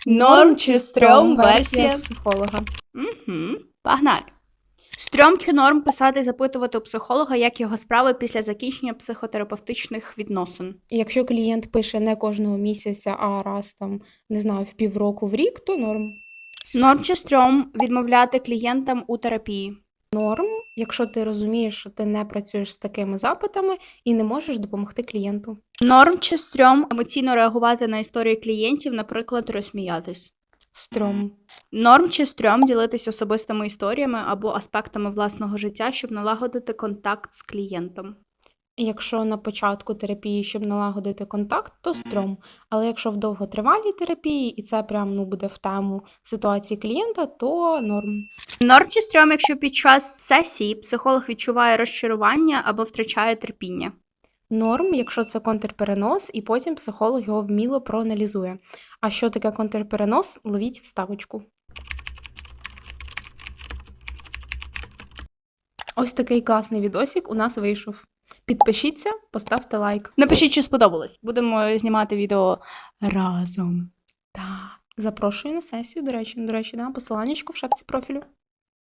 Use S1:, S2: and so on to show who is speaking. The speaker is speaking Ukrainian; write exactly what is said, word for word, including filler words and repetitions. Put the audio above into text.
S1: Норм чи стрьом версія
S2: психолога.
S1: Угу. Погнали. Стрьом чи норм писати і запитувати у психолога, як його справи після закінчення психотерапевтичних відносин?
S2: І якщо клієнт пише не кожного місяця, а раз там, не знаю, в півроку, в рік, то норм.
S1: Норм чи стрьом відмовляти клієнтам у терапії?
S2: Норм, якщо ти розумієш, що ти не працюєш з такими запитами і не можеш допомогти клієнту.
S1: Норм чи стрьом емоційно реагувати на історії клієнтів, наприклад, розсміятись?
S2: Стрьом.
S1: Норм чи стрьом ділитись особистими історіями або аспектами власного життя, щоб налагодити контакт з клієнтом?
S2: Якщо на початку терапії, щоб налагодити контакт, то стрьом. Але якщо в довготривалій терапії, і це прям ну, буде в тему ситуації клієнта, то норм.
S1: Норм чи стрьом, якщо під час сесії психолог відчуває розчарування або втрачає терпіння?
S2: Норм, якщо це контрперенос, і потім психолог його вміло проаналізує. А що таке контрперенос? Ловіть вставочку. Ось такий класний відосик у нас вийшов. Підпишіться, поставте лайк.
S1: Напишіть, чи сподобалось. Будемо знімати відео разом.
S2: Так, запрошую на сесію, до речі. До речі, да, посиланнячко в шапці профілю.